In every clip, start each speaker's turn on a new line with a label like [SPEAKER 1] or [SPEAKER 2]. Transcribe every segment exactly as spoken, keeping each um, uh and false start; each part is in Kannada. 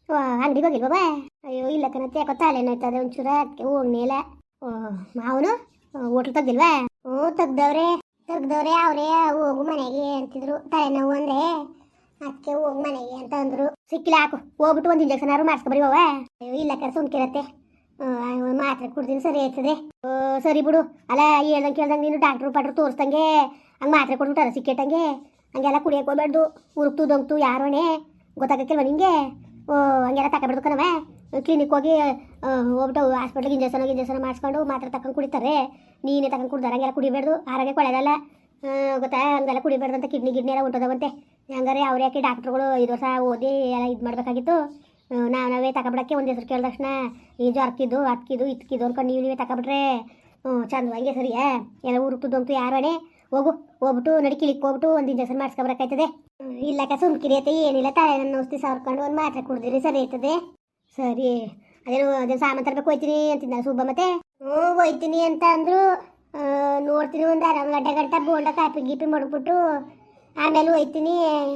[SPEAKER 1] ಅಂಗಡಿಗೆ ಹೋಗಿಲ್ವಾ? ಅಯ್ಯೋ ಇಲ್ಲ ಕಣತ್ತೆ, ಯಾಕೋ ತಲೆನೋಯ್ತದೆ ಒಂಚೂರ, ಅದಕ್ಕೆ ಹೋಗ್ನೇಲ. ಅವನು ಹೋಟ್ಲು ತೆಗ್ದಿಲ್ವಾ? ಹ್ಞೂ ತೆಗ್ದವ್ರೆ ತೆಗ್ದವ್ರೆ ಅವರೇ. ಹೋಗು ಮನೆಗೆ ಅಂತಿದ್ರು, ತಲೆನೋವು ಅಂದ್ರೆ ಅದಕ್ಕೆ ಹೋಗಿ ಮನೆಗೆ ಅಂತ ಅಂದ್ರು. ಸಿಕ್ಕಿಲ್ಲ, ಹಾಕು ಹೋಗ್ಬಿಟ್ಟು ಒಂದು ಇಂಜೆಕ್ಷನ್ ಆದ್ರು ಮಾಡಿಸ್ಕೊಬರಿ ಹೋವ. ಅಯ್ಯೋ ಇಲ್ಲ ಕಡೆ ಸುಮ್ಕಿರತ್ತೆ, ಮಾತ್ರೆ ಕುಡ್ದಿನ ಸರಿ ಆಯ್ತದೆ. ಸರಿ ಬಿಡು. ಅಲ್ಲ ಹೇಳ್ದಂಗೆ ಕೇಳ್ದಂಗೆ ನೀನು ಡಾಕ್ಟ್ರು ಪಾಟ್ರು ತೋರಿಸ್ದಂಗೆ ಹಂಗೆ ಮಾತ್ರೆ ಕೊಟ್ಬಿಟ್ಟಾರ ಸಿಕ್ಕೇಟಂಗೆ ಹಂಗೆಲ್ಲ ಕುಡಿಯಕ್ಕೆ ಹೋಗ್ಬಾರ್ದು. ಉರುಕ್ತು ದೊಂಗ್ತು ಯಾರೋಣೆ ಗೊತ್ತಾಗಕ್ಕಿಲ್ವ ನಿಂಗೆ? ಓ ಹಂಗೆಲ್ಲ ತಗೊಬಿಡ್ದು ಕಣವ. ಕ್ಲಿನಿಕ್ ಹೋಗಿ ಹೋಗ್ಬಿಟ್ಟು ಹಾಸ್ಪಿಟ್ಲಿಗೆ ಇಂಜೆಕ್ಷನ್ ಇಂಜೆಕ್ಷನ್ ಮಾಡಿಸ್ಕೊಂಡು ಮಾತ್ರೆ ತಗೊಂಡು ಕುಡಿತಾರೆ. ನೀನೇ ತಗೊಂಡು ಕುಡ್ದಾರ ಹಂಗೆಲ್ಲ ಕುಡಿಬೇಡ್ದು, ಆರೋಗ್ಯಕ್ಕೆ ಒಳ್ಳೆಯದಲ್ಲ ಗೊತ್ತಾ. ಹಂಗೆಲ್ಲ ಕುಡಿಬೇಡ್ದು ಅಂತ ಕಿಡ್ನಿ ಗಿಡ್ನಿ ಎಲ್ಲ ಉಂಟದವಂತೆ. ಹಂಗಾರೆ ಅವ್ರು ಯಾಕೆ ಡಾಕ್ಟ್ರುಗಳು ಐದು ವರ್ಷ ಓದಿ ಎಲ್ಲ ಇದು ಮಾಡಬೇಕಾಗಿತ್ತು. ನಾವು ನಾವೇ ತಗೊಬಿಡೋಕ್ಕೆ ಒಂದು ಹೆಸರು ಕೇಳಿದ ತಕ್ಷಣ ಈ ಜ್ವರಕ್ಕಿದ್ದು ಹತ್ಕಿದ್ದು ಇತ್ಕಿದ್ದು ಅನ್ಕೊಂಡು ನೀವು ನೀವೇ ತಗೊಬಿಟ್ರೆ ಹ್ಞೂ ಚಂದವಾಗೆ ಸರಿಯಾ? ಎಲ್ಲ ಉರುಕ್ತದಂತು ಯಾರೋಣೆ. ಹೋಗು ಹೋಗ್ಬಿಟ್ಟು ನಡಿ ಕಿಲಿಕ್ ಹೋಗ್ಬಿಟ್ಟು ಒಂದು ಇಂಜೆಕ್ಷನ್ ಮಾಡಿಸ್ಕೊಬರಕಾಯ್ತದೆ. ಇಲ್ಲಕ್ಕ ಸುಮ್ಕಿರಿಯತ್ತೆ, ಏನಿಲ್ಲ ತಲೆ ನನ್ನ ಔಷಧಿ ಸಾವಿರ್ಕೊಂಡು ಒಂದು ಮಾತ್ರೆ ಕುಡಿದಿರಿ ಸರಿ ಆಯ್ತದೆ. ಸರಿ ಅದೇನು ಅದೇನು ಸಾಮಾನು ತರಬೇಕು ಹೋಯ್ತೀನಿ ಅಂತಿದ್ದ ಸುಬ್ಬ. ಮತ್ತೆ ಹ್ಞೂ ಹೋಯ್ತೀನಿ ಅಂತ ಅಂದರು. ನೋಡ್ತೀನಿ ಒಂದು ಅರವತ್ತು ಗಂಟೆ ಗಂಟೆ ಬೋಂಡ ಕಾಪಿ ಗೀಪಿ ಮಡ್ಬಿಟ್ಟು ಆಮೇಲೆ ಹೋಯ್ತೀನಿ.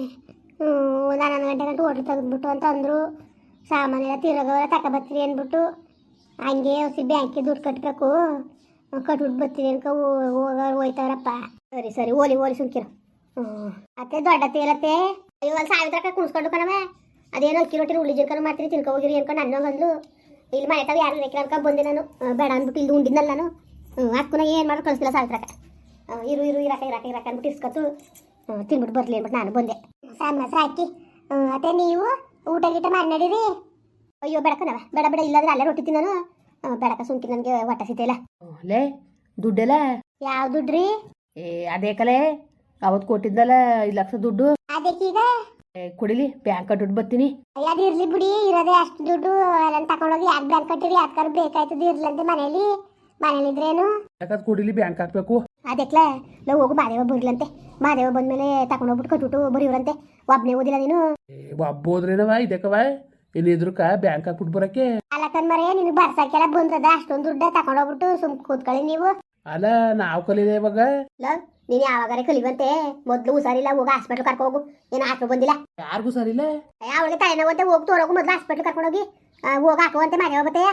[SPEAKER 1] ಒಂದು ಹನ್ನೊಂದು ಗಂಟೆ ಗಂಟೆ ಹೋಟ್ಲು ತೆಗೆದ್ಬಿಟ್ಟು ಅಂತ ಅಂದರು. ಸಾಮಾನೆಲ್ಲ ತಿರೋಗವೆಲ್ಲ ತಗೊಬರ್ತೀರಿ ಅಂದ್ಬಿಟ್ಟು ಹಂಗೆ ಔಷಧಿ ಬ್ಯಾಂಕಿಗೆ ದುಡ್ಡು ಕಟ್ಟಬೇಕು, ಕಟ್ಬಿಟ್ಟು ಬರ್ತೀನಿ ಅನ್ಕ ಹೋಗ ಹೋಯ್ತವ್ರಪ್ಪ. ಸರಿ ಸರಿ ಓಲಿ ಓಲಿ ಸುಮ್ಕಿರು. ಹ್ಞೂ ಅತ್ತೆ ದೊಡ್ಡ ತೇಲತ್ತೆ. ಅಯ್ಯೋ ಅಲ್ಲಿ ಸಾವಿತ್ರಕ್ಕ ಕುಣಿಸ್ಕೊಂಡು ಕಣವ. ಅದೇನೋ ಅಕ್ಕಿ ರೊಟ್ಟಿ ಉಳ್ಳಿ ಜರ್ಕನ ಮಾಡ್ತೀನಿ ತಿನ್ಕೊ ಹೋಗಿರಿ ಅನ್ಕೊಂಡು ನನ್ನ ಬಂದ್ಲು. ಇಲ್ಲಿ ಮನೆ ತಾವು ಯಾರು ರೇಖೆ ಅನ್ಕೊಂಡು ಬಂದೆ ನಾನು. ಬೇಡ ಅಂದ್ಬಿಟ್ಟು ಇಲ್ಲಿ ಉಂಡಿದ್ನಲ್ಲ ನಾನು. ಹ್ಞೂ ಅಕ್ಕನ ಏನು ಮಾಡೋದು ಕಳಿಸ್ತಿಲ್ಲ ಸಾವಿತ್ರಕ್ಕ. ಇರು ಇರು ಇರಾಕ ಇರಾಕ ಇರಾಕ ಅಂದ್ಬಿಟ್ಟು ಇಸ್ಕೊತು ತಿನ್ಬಿಟ್ಟು ಬರಲಿ ಅಂದ್ಬಿಟ್ಟು ನಾನು ಬಂದೆ. ಸಾಮಸ ಹಾಕಿ ಅತ್ತೆ ನೀವು ಊಟ ಗೀಟ ಮಾಡಿ ನಡೀರಿ. ಅಯ್ಯೋ ಬೆಳಕನವ ಬೇಡ ಬೇಡ, ಇಲ್ಲಾಂದ್ರೆ ಅಲ್ಲೇ ರೊಟ್ಟಿ ತಿನ್ನೋನು. ಬೆಳಕ ಸುಮ್ಕಿ ನನಗೆ ಹೊಟ್ಟೆ ಸಿಗ್ತಿಲ್ಲ.
[SPEAKER 2] ಲೇ ದುಡ್ಡೆಲ್ಲ
[SPEAKER 1] ಯಾವ ದುಡ್ಡ್ರಿ?
[SPEAKER 2] ಏ ಅದೇ ಕಲೆ ಅವತ್ತು ಕೊಟ್ಟಿದ್ದಲ್ಲ ಐದು ಲಕ್ಷ ದುಡ್ಡು.
[SPEAKER 1] ಅದಕ್ಕೀಗ
[SPEAKER 2] ಕೊಡಿಲಿ ಬ್ಯಾಂಕ್ ದುಡ್ಡು ಬರ್ತೀನಿ.
[SPEAKER 1] ಅದು ಇರ್ಲಿ ಬಿಡಿ, ಇರೋದೇ ಅಷ್ಟು ದುಡ್ಡು ಎಲ್ಲ ತಗೊಂಡೋಗಿ ಯಾಕೆ ಬ್ಯಾಂಕ್ ಕಟ್ಟಿರಿ? ಯಾಕೆ ಬೇಕಾಯ್ತದೆ ಇರ್ಲಂತೆ ಮನೇಲಿ ಮನೇಲಿ ಇದ್ರೇನು
[SPEAKER 2] ಯಾಕಂದ್ರೆ ಕೊಡಿಲಿ ಬ್ಯಾಂಕ್ ಹಾಕ್ಬೇಕು.
[SPEAKER 1] ಅದಕ್ಲೆ ನಾವು ಹೋಗು ಮಾದೇವ ಬರಿಲಂತೆ. ಮಾದೇವ ಬಂದ್ಮೇಲೆ ತಗೊಂಡೋಗ್ಬಿಟ್ಟು ಕಟ್ಬಿಟ್ಟು ಬರೀವ್ರಂತೆ. ಒಬ್ನೇ ಓದಿಲ್ಲ ನೀನು?
[SPEAKER 2] ಒಬ್ಬೋದ್ರೇನವ ಇದಕ್ಕವ ಏನಿದ್ರುಕ ಬ್ಯಾಂಕ್ ಹಾಕ್ಬಿಟ್ಟು ಬರಕ್ಕೆ.
[SPEAKER 1] ಅಲ್ಲಕನ್ ಮರೆ ನಿನಗೆ ಬರ್ಸಕ್ಕೆಲ್ಲ ಬಂದದ ಅಷ್ಟೊಂದು ದುಡ್ಡ ತಗೊಂಡೋಗ್ಬಿಟ್ಟು ಸುಮ್ ಕೂತ್ಕೊಳ್ಳಿ ನೀವು.
[SPEAKER 2] ಅಲ್ಲ ನಾವು ಕಲಿದೆ ಇವಾಗ.
[SPEAKER 1] ನೀನು ಯಾವಾಗಾರೆ ಕಲಿವಂತೆ. ಮೊದ್ಲು ಹುಷಾರಿಲ್ಲ, ಹೋಗ ಹಾಸ್ಪಿಟ್ಲ್ ಕರ್ಕೊ ಹೋಗು. ಏನು ಹಾಕೋ ಬಂದಿಲ್ಲ?
[SPEAKER 2] ಯಾರಿಗೂ ಸರಿಲ್ಲ.
[SPEAKER 1] ಅವಳಿಗೆ ತಲೆನೋವಂತೆ ಹೋಗಿ ತೋರೋಗು ಮೊದ್ಲು ಹಾಸ್ಪಿಟ್ಲ್ ಕರ್ಕೊಂಡೋಗಿ. ಹೋಗಿ ಹಾಕುವಂತೆ ಮಾದೇವ ಬತ್ತೆಯ.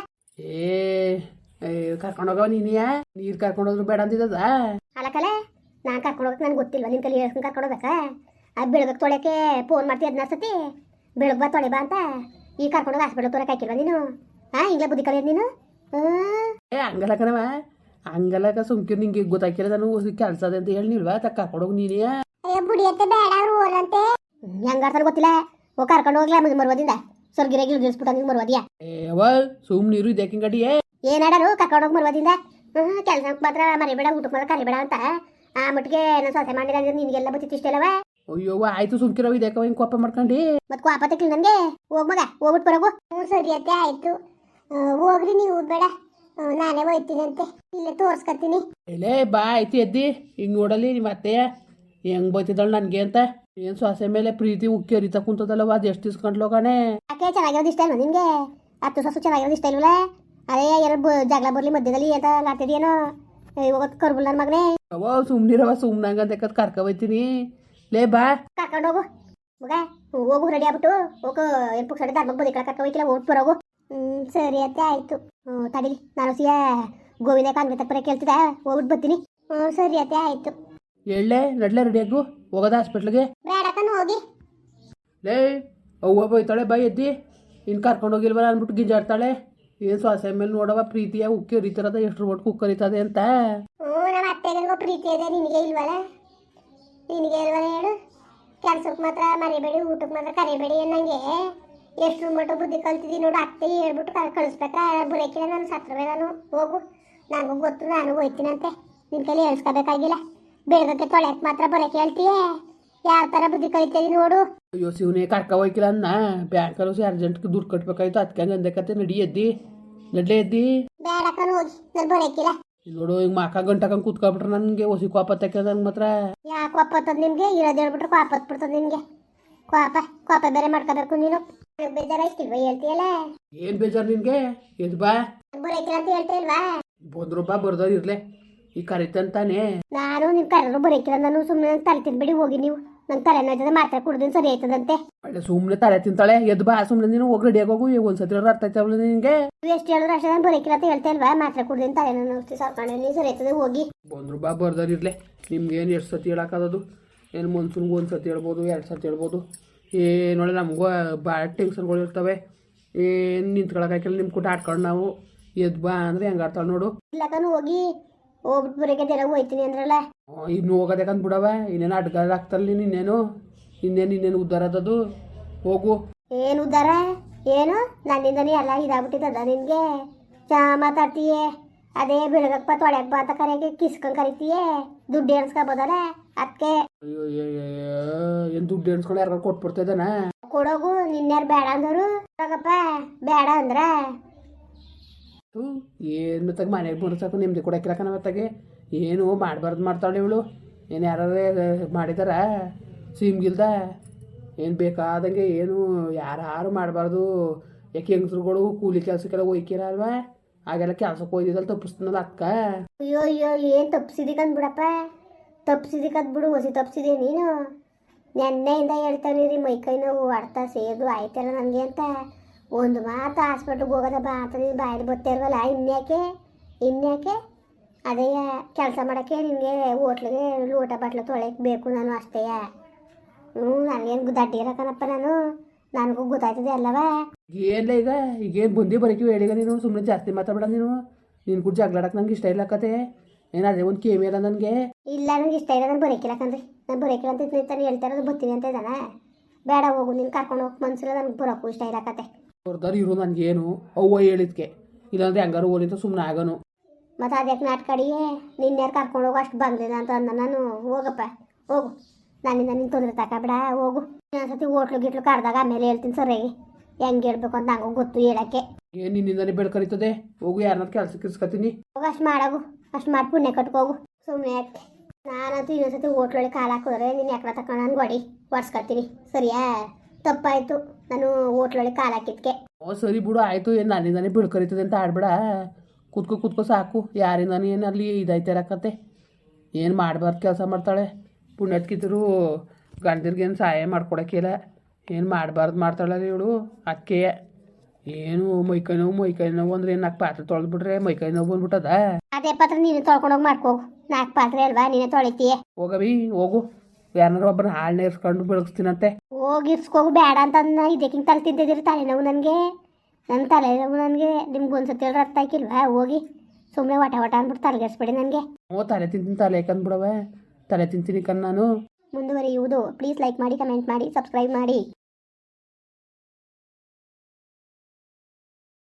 [SPEAKER 2] ಏ ಕರ್ಕೊಂಡೋಗವ ನೀನಿಯ ನೀರು ಕರ್ಕೊಂಡೋದ್ರು ಬೇಡ ಅಂದಿದ್ದದ.
[SPEAKER 1] ಅಲ್ಲಕಲೆ ನಾನು ಕರ್ಕೊಂಡೋಗಕ್ಕೆ ನನ್ಗೆ ಗೊತ್ತಿಲ್ವ ನಿನ್ ಕಲಿ ಹೇಳ್ಕೊಂಡು ಕರ್ಕೊಂಡೋಗ್ಬೇಕಾ? ಅದು ಬೆಳಗ್ಗೆ ತೊಳೆಕ್ಕೆ ಫೋನ್ ಮಾಡ್ತೀವಿ ಹದಿನಾರು ಸತಿ ಬೆಳಗ್ಗೆ ಬಾ ತೊಳೆ ಬಾ ಅಂತ. ಈಗ ಕರ್ಕೊಂಡೋಗಿ ಹಾಸ್ಪಿಟ್ಲ್ ತೋರಕ್ಕೆ ಹಾಕಿಲ್ವ ನೀನು? ಹಾಂ ಹಿಂಗೆ ಬುದ್ಧಿ ಕಲಿಯೋದು ನೀನು?
[SPEAKER 2] ಏ ಹಂಗಲ್ಲ ಕಣವ, ಹಂಗಲ್ಲ ಸುಮ್ಕಿರ್ ನಿಂಗೆ ಗೊತ್ತಾಕಿಲ್ಲ ನಾನು ಕೆಲಸ ಅದ ಅಂತ ಹೇಳಿಲ್ವಾ ತ ಕರ್ಕೊಂಡೋಗಿ ನೀನೇ.
[SPEAKER 1] ಬುಡಿಯತ್ತೆ ಬೇಡ ಅವ್ರು ಓರಂತೆ. ಹೆಂಗಾರ್ತಾನೆ ಗೊತ್ತಿಲ್ಲ. ಹೋಗಿ ಕರ್ಕೊಂಡು ಹೋಗ್ಲಾ ನಮಗೆ ಮರುವದಿಂದ ಸ್ವರ್ಗಿರಾಗಿ ಗಿಳಿಸ್ಬಿಟ್ಟು ನಿಮ್ಗೆ ಮರುವದಿಯಾ?
[SPEAKER 2] ಏವ ಸುಮ್ ನೀರು ಇದಕ್ಕಿಂಗ್ ಗಡಿಯೇ
[SPEAKER 1] ಏನಾಡರು ಕರ್ಕೊಂಡೋಗಿ ಮರುವದಿಂದ. ಹ್ಞೂ ಕೆಲಸಕ್ಕೆ ಮಾತ್ರ ಮರಿಬೇಡ, ಊಟಕ್ಕೆ ಮಾತ್ರ ಕರಿಬೇಡ ಅಂತ ಆ ಮಟ್ಟಿಗೆ ನಾನು ಸೊಸೆ ಮಾಡಿದ ನಿನಗೆಲ್ಲ ಬತ್ತಿತ್ತು ಇಷ್ಟಲ್ಲವ.
[SPEAKER 2] ಅಯ್ಯೋ ಆಯ್ತು ಸುಮ್ಕಿರವ ಇದಕ್ಕ ಹಿಂಗೆ ಕೋಪ ಮಾಡ್ಕೊಂಡು
[SPEAKER 1] ಮತ್ತೆ ಕೋಪ ತೆಕ್ಲಿ ನನಗೆ. ಹೋಗ್ ಮಗ ಹೋಗ್ಬಿಟ್ಟು ಬರೋಗು. ಹ್ಞೂ ಸರಿ ಅತ್ತೆ ಆಯ್ತು, ಹೋಗ್ರಿ ನೀವು ಬೇಡ ನಾನೇ ಹೋಯ್ತೀನಿ ಅಂತೆ, ಇಲ್ಲೇ ತೋರ್ಸ್ಕೊತೀನಿ.
[SPEAKER 2] ಇಲ್ಲೇ ಬಾ ಆಯ್ತು ಎದ್ದಿ ಹಿಂಗೆ ನೋಡಲಿ ನಿಮ್ಮ ಅತ್ತೆಯ ಹೆಂಗ್ ಬೈತಿದ್ದಾಳು ನನಗೆ ಅಂತ. ಏನು ಸೊಸೆ ಮೇಲೆ ಪ್ರೀತಿ ಉಕ್ಕಿ ಹರಿತಾ ಕುಂತದಲ್ಲವ, ಅದು ಎಷ್ಟು ಇಸ್ಕೊಂಡ್ಲು ಕಣೆ.
[SPEAKER 1] ಯಾಕೆ ಚೆನ್ನಾಗಿರೋದು ಇಷ್ಟ ಇಲ್ವ ನಿನಗೆ? ಹತ್ತು ಸೊಸು ಚೆನ್ನಾಗಿರೋದು ಇಷ್ಟ ಇಲ್ವಲ್ಲ? ಅದೇ ಎರಡು ಜಗಳ ಬರ್ಲಿ ಮಧ್ಯದಲ್ಲಿ ಅಂತ ಮಾಡ್ತಿದ್ಯೇನೋ ಹೋಗೋದು ಕರ್ಬುಲ್ ನನ್ನ ಮಗನೇ.
[SPEAKER 2] ಅವ ಸುಮ್ನಿರವ ಸುಮ್ನಂಗ ಅಂತ ಕರ್ಕ ಹೋಯ್ತೀನಿ. ಲೇ ಬಾ
[SPEAKER 1] ಕರ್ಕೊಂಡೋಗು ಮಗ. ಹೋಗು ರೆಡಿ ಆಗ್ಬಿಟ್ಟು ಹೋಗು. ಎಲ್ಪು ಸಡೆ ಧರ್ಮಕ್ಕೆ ಬದಿ ಕರ್ಕ ಹೋಯ್ತಿಲ್ಲ ಓಟ್ ಬರೋಗು. ಹ್ಞೂ ಸರಿ ಅತ್ತೆ ಆಯಿತು. ಹ್ಞೂ ತಡೀಲಿ ನಾನು ಸಿಯ ಗೋವಿಂದ ಕಾನ್ವೆ ತಪ್ಪರೆ ಕೇಳ್ತಿದ್ದೆ, ಹೋಗ್ಬಿಟ್ಟು ಬರ್ತೀನಿ. ಹ್ಞೂ ಸರಿ ಅತ್ತೆ ಆಯಿತು.
[SPEAKER 2] ಎಳ್ಳೆ ನಡ್ಲೆ ರೆಡಿಯಾಗು ಹೋಗೋದ ಹಾಸ್ಪಿಟ್ಲಿಗೆ.
[SPEAKER 1] ಬೇಡಕ್ಕನು ಹೋಗಿ.
[SPEAKER 2] ಲೇ ಅವ್ವ ಬೈತಾಳೆ ಬೈ ಎದ್ದಿ ಇನ್ನು ಕರ್ಕೊಂಡೋಗಿಲ್ವಲ್ಲ ಅಂದ್ಬಿಟ್ಟು ಗಿಂಜಾಡ್ತಾಳೆ. ಏನು ಸೊಸೆ ಮೇಲೆ ನೋಡವ ಪ್ರೀತಿಯ ಉಕ್ಕಿ ಹರಿತಿರೋದ ಎಷ್ಟು ಒಟ್ಟು ಕುಕ್ಕರಿತದೆ ಅಂತ.
[SPEAKER 1] ಹ್ಞೂ ನಮ್ಮ ಅತ್ತೆಗೆ ಪ್ರೀತಿ ಇದೆ, ನಿನಗೆ ಇಲ್ವಲ್ಲ? ನಿನಗೆ ಇಲ್ವಲ್ಲ ಹೇಳು? ಕೆಲ್ಸಕ್ಕೆ ಮಾತ್ರ ಮರಿಬೇಡಿ, ಊಟಕ್ಕೆ ಮಾತ್ರ ಕರಿಬೇಡಿ ಅನ್ನಂಗೆ ಎಷ್ಟು ಮಟ್ಟ ಬುದ್ಧಿ ಕಲ್ತಿದ್ದೀನಿ ನೋಡು. ಅತ್ತೆ ಹೇಳ್ಬಿಟ್ಟು ಕಲ್ ಕಳಿಸ್ಬೇಕಾ? ಬರೋಕಿಲ್ಲ ನಾನು ಸತ್ರವೇ ನಾನು. ಹೋಗು, ನನಗೂ ಗೊತ್ತು, ನಾನು ಹೋಯ್ತೀನಂತೆ. ನಿನ್ನ ಕೈಲಿ ಹೇಳ್ಸ್ಕೋಬೇಕಾಗಿಲ್ಲ. ಬೆಳಗ್ಗೆ ತೊಳೆಯಕ್ಕೆ ಮಾತ್ರ ಬರೋಕೆ ಹೇಳ್ತೀಯೇ? ಯಾವ ಥರ ಬುದ್ಧಿ ಕಲಿತೀವಿ ನೋಡು.
[SPEAKER 2] ಅಯ್ಯೋ ಶಿವನೇ ಕರ್ಕ ಹೋಯ್ಕಿಲ್ಲ ಅನ್ನ ಬ್ಯಾಂಕಲ್ಲೂ ಸಿ ಅರ್ಜೆಂಟ್ಗೆ ದುಡ್ಡು ಕಟ್ಬೇಕಾಯ್ತು, ಅದಕ್ಕೆ ಹಂಗೆ ಅಂದಕತ್ತೆ. ನಡಿ ಎದ್ದಿ ನಡ್ಲೆ ಎದ್ದಿ.
[SPEAKER 1] ಬೇಡಕ್ಕನು ಹೋಗಿ, ನಾನು ಬರೋಕಿಲ್ಲ.
[SPEAKER 2] ನೋಡು ಹಿಂಗೆ ಮಾಕ ಗಂಟಕಂಗೆ ಕೂತ್ಕೊಬಿಟ್ರೆ ನನಗೆ ಹೊಸಿ ಕೋಪ ತಕ್ಕ ನಂಗೆ ಮಾತ್ರ.
[SPEAKER 1] ಯಾಕೆ ಕೋಪ ಹತ್ತದ ನಿಮಗೆ? ಇರೋದು ಹೇಳ್ಬಿಟ್ರೆ ಕೋಪ ಹತ್ಬಿಡ್ತದೆ ನಿಮಗೆ. ಕೋಪ ಕೋಪ ಬೇರೆ ಮಾಡ್ಕೋಬೇಕು ನೀನು. ಬೇಜಾರ ಇಷ್ಟಿಲ್ವ ಹೇಳ್ತೀಯಲ್ಲ?
[SPEAKER 2] ಏನು ಬೇಜಾರು ನಿನಗೆ? ಎದ್ ಬಾ.
[SPEAKER 1] ಬರೋಕಿಲ್ಲ ಅಂತ ಹೇಳ್ತೀಲ್ವಾ?
[SPEAKER 2] ಬಂದ್ರು ಬಾ ಬರ್ದೋ ಇರ್ಲೆ ಈ ಕರಿತಂತಾನೆ.
[SPEAKER 1] ನಾನು ನಿಮ್ ಕರೆದ್ರು ಬರೋಕಿಲ್ಲ. ನಾನು ಸುಮ್ಮನೆ ತಲೆ ತಿನ್ಬೇಡಿ ಹೋಗಿ ನೀವು. ನಂಗೆ ತಲೆ ನೋಯ್ತದೆ ಮಾತ್ರೆ ಕುಡ್ದಿನ ಸರಿ ಆಯ್ತದಂತೆ.
[SPEAKER 2] ಒಳ್ಳೆ ಸುಮ್ಮನೆ ತಲೆ ತಿಂತಾಳೆ ಎದ್ದು ಬಾ ಸುಮ್ಮನೆ ನೀನು ಹೋಗಿ ರೆಡಿಯಾಗಿ ಹೋಗು ಒಂದ್ಸತಿ ಅರ್ಥ ಆಯ್ತವಲ್ಲ ನಿನಗೆ.
[SPEAKER 1] ನೀವು ಎಷ್ಟು ಹೇಳಿದ್ರು ಅಷ್ಟೇ ನಾನು ಬರೋಕಿಲ್ಲ ಅಂತ ಹೇಳ್ತಾ ಇಲ್ವಾ? ಮಾತ್ರೆ ಕುಡ್ದಿನ ತಲೆ ನೋಡ್ತಿ ಸರ್ಕೊಂಡು ನೀವು ಸರಿ ಆಯ್ತದೆ ಹೋಗಿ.
[SPEAKER 2] ಬಂದ್ರು ಬಾ ಬರ್ದಾರಿರ್ಲೆ ನಿಮ್ಗೇನು ಎಷ್ಟು ಸತಿ ಹೇಳೋಕ್ಕಾಗೋದು? ಏನು ಮನ್ಸೂನ್ಗೆ ಒಂದು ಸತಿ ಹೇಳ್ಬೋದು, ಎರಡು ಸತಿ ಹೇಳ್ಬೋದು. ಏನೊಳ್ಳೆ ನಮಗೂ ಭಾಳ ಟೆನ್ಷನ್ಗಳು ಇರ್ತವೆ. ಏನು ನಿಂತ್ಕೊಳಕ್ಕಾಗಿಲ್ಲ ನಿಮ್ಮ ಕೂಟ ಆಡ್ಕೊಂಡು ನಾವು ಎದ್ದು ಬಾ ಅಂದರೆ ಹೆಂಗೆ ಆಡ್ತಾಳೆ ನೋಡು.
[SPEAKER 1] ಇಲ್ಲಕನು ಹೋಗಿ ಹೋಗ್ಬಿಟ್ಟು ಬರೋಕೆ ಜನ ಹೋಯ್ತೀನಿ ಅಂದ್ರಲ್ಲ.
[SPEAKER 2] ಇನ್ನು ಹೋಗೋದೇಕಂತ ಬಿಡವ, ಇನ್ನೇನು ಅಡ್ಗಾರ ಆಗ್ತಲ್ಲ ಇನ್ನೇನು ಇನ್ನೇನು ಇನ್ನೇನು ಉದ್ಧಾರ ಅದದು. ಹೋಗು.
[SPEAKER 1] ಏನು ಉದ್ದಾರ ಏನು? ನನ್ನಿಂದನೇ ಎಲ್ಲ ಇದಾಗ್ಬಿಟ್ಟಿದ್ದದ ನಿನಗೆ. ಚಾ ಮಾತಾಡ್ತೀಯೇ ಅದೇ ಬೆಳಗಪ್ಪ ತೊಳೆಯಪ್ಪ ಅಂತ ಕರೆಯೋಕೆ ಕಿಸ್ಕೊಂಡು ಕರಿತೀಯೇ. ದುಡ್ಡು ಎಣಿಸ್ಕೊಬೋದಲ್ಲ ಅದಕ್ಕೆ.
[SPEAKER 2] ಅಯ್ಯೋ ಏನು ದುಡ್ಡು ಎಣಿಸ್ಕೊಂಡು ಯಾರು ಕೊಟ್ಬಿಡ್ತಿದ್ದಾನ?
[SPEAKER 1] ಕೊಡೋಗು ನಿನ್ಯಾರು ಬೇಡ ಅಂದರು ಹೋಗಪ್ಪ ಬೇಡ ಅಂದ್ರ
[SPEAKER 2] ಹ್ಞೂ ಏನು ಮತ್ತಾಗ ಮನೆಗೆ ಬಂದು ಸಾಕು ನಿಮ್ದು ಕೊಡಕ್ಕಿರಕನ ಮತ್ತಾಗೆ ಏನು ಮಾಡಬಾರ್ದು ಮಾಡ್ತಾಳೆ ಇವಳು. ಏನು ಯಾರು ಮಾಡಿದಾರ ಸಿಮ್ಗಿಲ್ದ ಏನು ಬೇಕಾದಂಗೆ ಏನು ಯಾರು ಮಾಡಬಾರ್ದು. ಯಾಕೆ ಹೆಂಗಸ್ರುಗಳು ಕೂಲಿ ಕೆಲಸಕ್ಕೆಲ್ಲ ಒಯ್ಕಿರ ಅಲ್ವಾ, ಹಾಗೆಲ್ಲ ಕೆಲ್ಸಕ್ಕೆ ಹೋಯ್ದಿದ್ದಲ್ಲ ತಪ್ಪಿಸ್ತಾನಲ್ಲ ಅಕ್ಕ.
[SPEAKER 1] ಅಯ್ಯೋ ಅಯ್ಯೋ ಏನು ತಪ್ಪಿಸಿದಿಕಂದ್ ಬಿಡಪ್ಪ, ತಪ್ಪಿಸಿದಿಕಂದ್ ಬಿಡು ಹೊಸಿ ತಪ್ಪಿಸಿದೆ ನೀನು. ನೆನ್ನೆಯಿಂದ ಹೇಳ್ತಾನೆ ರೀ ಮೈಕೈ ನೋವು ಆಡ್ತಾ ಸೇದು ಆಯ್ತಲ್ಲ ನನಗೆ ಅಂತ. ಒಂದು ಮಾತು ಹಾಸ್ಪಿಟ್ಲಿಗೆ ಹೋಗೋದ ಬಾ ಅಂತ ನೀನು ಬಾಯಲ್ಲಿ ಬತ್ತಾ ಇಲ್ವಲ್ಲ. ಇನ್ಯಾಕೆ ಇನ್ಯಾಕೆ ಅದೇ ಕೆಲಸ ಮಾಡೋಕ್ಕೆ ನಿನಗೆ ಹೋಟ್ಲಿಗೆ ಲೋಟ ಬಟ್ಲು ತೊಳೆಯಕ್ಕೆ ಬೇಕು ನಾನು ಅಷ್ಟೇ. ಹ್ಞೂ ನನಗೇನು ದಡ್ಡಿ ಇರಕನಪ್ಪ ನಾನು, ನನಗೂ ಗೊತ್ತಾಯ್ತದೆ ಅಲ್ಲವಾ.
[SPEAKER 2] ಏನಿಲ್ಲ ಈಗ ಈಗೇನು ಬಂದು ಬರೋಕೆ ಹೇಳಿಗ ನೀನು ಸುಮ್ಮನೆ ಜಾಸ್ತಿ ಮಾತಾಡಬೇಡ ನೀನು. ನೀನು ಕೂಡ ಜಗಳಾಡಕ್ಕೆ ನಂಗೆ ಇಷ್ಟ ಇಲ್ಲ ಕತೆ. ಏನಾದ್ರೆ ಒಂದು ಕೇಮಿ ಇಲ್ಲ ನನಗೆ. ಇಲ್ಲ
[SPEAKER 1] ನನಗೆ ಇಷ್ಟ ಇಲ್ಲ, ನಾನು ಬರೋಕಿಲ್ಲ ಕಣ್ರಿ. ನಾನು ಬರೋಕಿಲ್ಲ ಅಂತ ನಿಂತಾನೆ ಹೇಳ್ತಾ ಇರೋದು ಬರ್ತೀನಿ ಅಂತ ಇದ್ದಾನೆ. ಬೇಡ ಹೋಗು ನೀನು ಕರ್ಕೊಂಡು ಹೋಗಿ ಮನ್ಸಿಲ್ಲ, ನನಗೆ ಬರೋಕ್ಕೂ ಇಷ್ಟ ಇಲ್ಲ ಕತೆ.
[SPEAKER 2] ಹೊರ್ದಾರು ಇರು ನನಗೇನು ಅವ್ವ ಹೇಳಿದ್ಕೆ, ಇಲ್ಲಾಂದ್ರೆ ಹೆಂಗಾರು ಓಲಿಂತ ಸುಮ್ಮನೆ ಆಗೋನು.
[SPEAKER 1] ಮತ್ತು ಅದಕ್ಕೆ ನಾಟ್ಕಡಿಯೇ ನಿನ್ಯಾರು ಕರ್ಕೊಂಡು ಹೋಗೋ ಅಷ್ಟು ಬಂದಿಲ್ಲ ಅಂತ ಅಂದ ನಾನು. ಹೋಗಪ್ಪ ಹೋಗು, ನನ್ನಿಂದ ನೀನು ತೊಂದರೆ ತಗೋಬೇಡ ಹೋಗು. ಇನ್ನೊಂದ್ಸತಿ ಹೋಟ್ಲು ಗಿಟ್ಲು ಕರೆದಾಗ ಆಮೇಲೆ ಹೇಳ್ತೀನಿ ಸರಿಯಾಗಿ ಹೆಂಗೆ ಹೇಳ್ಬೇಕು ಅಂತ ನಂಗೂ ಗೊತ್ತು ಹೇಳೋಕ್ಕೆ.
[SPEAKER 2] ಏನು ನಿನ್ನಿಂದನೇ ಬೆಳ್ಕರಿತದೆ. ಹೋಗು ಯಾರನ್ನಾರು ಕೆಲಸಕ್ಕೆ ಇಸ್ಕೊತೀನಿ.
[SPEAKER 1] ಹೋಗು ಅಷ್ಟು ಮಾಡಾಗು, ಅಷ್ಟು ಮಾಡಿ ಪುಣ್ಯ ಕಟ್ಕೋಗು ಸುಮ್ಮನೆ ಯಾಕೆ. ನಾನಂತೂ ಇನ್ನೊಂದ್ಸತಿ ಹೋಟ್ಲೊಳಗೆ ಕಾಲು ಹಾಕಿದ್ರೆ ನೀನು ಯಾಕೆ ತಗೊಂಡು ನಾನು ಗೋಡಿ ಒಡ್ಸ್ಕೊತೀನಿ ಸರಿಯಾ. ತಪ್ಪಾಯಿತು ನಾನು ಹೋಟ್ಲೊಳಗೆ ಕಾಲು ಹಾಕಿದ್ಕೆ.
[SPEAKER 2] ಓ ಸರಿ ಬಿಡು ಆಯಿತು. ಏನು ನನ್ನಿಂದಾನೇ ಬೆಳ್ಕರಿತದೆ ಅಂತ ಆಡ್ಬೇಡ. ಕೂತ್ಕೊ ಕೂತ್ಕೊ ಸಾಕು. ಯಾರಿಂದಾನು ಏನು ಅಲ್ಲಿ ಇದಾಯ್ತಿರಕತ್ತೆ. ಏನು ಮಾಡಬಾರ್ದು ಕೆಲಸ ಮಾಡ್ತಾಳೆ. ಪುಣ್ಯತ್ಕಿದ್ರು ಗಂಡರಿಗೇನು ಸಹಾಯ ಮಾಡ್ಕೊಡೋಕ್ಕಿಲ್ಲ. ಏನು ಮಾಡಬಾರ್ದು ಮಾಡ್ತಾಳೆ ಇವಳು. ಅದಕ್ಕೆ ಏನು ಮೈಕೈ ನೋವು ಮೈಕೈ ನೋವು ಅಂದ್ರೆ ಏನು ನಾಲ್ಕು ಪಾತ್ರೆ ತೊಳೆದ್ಬಿಟ್ರೆ ಮೈಕೈ ನೋವು ಬಂದ್ಬಿಟ್ಟದ.
[SPEAKER 1] ಅದೇ ಪಾತ್ರೆ ನೀನು ತೊಳ್ಕೊಂಡೋಗಿ ಮಾಡ್ಕೋಗು. ನಾಲ್ಕು ಪಾತ್ರೆ ಅಲ್ವಾ ನೀನೇ ತೊಳಿತೀಯ.
[SPEAKER 2] ಹೋಗವಿ ಹೋಗು, ಯಾರನ್ನಾರು ಒಬ್ಬರು ಹಾಳನ್ನ ಇರ್ಸ್ಕೊಂಡು ಬೆಳಗಿಸ್ತೀನಂತೆ.
[SPEAKER 1] ಹೋಗಿ ಇರ್ಸ್ಕೋಗು ಬೇಡ ಅಂತ ಇದಕ್ಕಿಂತ ತಲೆ ತಿಂತಿದ್ದೀರಿ ತಲೆನೋವು ನನಗೆ. ನನ್ನ ತಲೆನೋವು ನನಗೆ ನಿಮ್ಗೆ ಒಂದ್ಸತಿ ಹೇಳಿದ್ರೆ ಅರ್ಥ ಆಯ್ಕಿಲ್ವಾ. ಹೋಗಿ ಸುಮ್ಮನೆ ವಟ ವಟ ಅಂದ್ಬಿಟ್ಟು ತಲೆಗೆಡಿಸ್ಬೇಡಿ ನನಗೆ.
[SPEAKER 2] ಓ ತಲೆ ತಿಂತೀನಿ ತಲೆ ಕಂದ್ಬಿಡವೆ, ತಲೆ ತಿಂತೀನಿ ಕಣ್ ನಾನು.
[SPEAKER 1] ಮುಂದುವರಿಯುವುದು. ಪ್ಲೀಸ್ ಲೈಕ್ ಮಾಡಿ, ಕಮೆಂಟ್ ಮಾಡಿ, ಸಬ್ಸ್ಕ್ರೈಬ್ ಮಾಡಿ.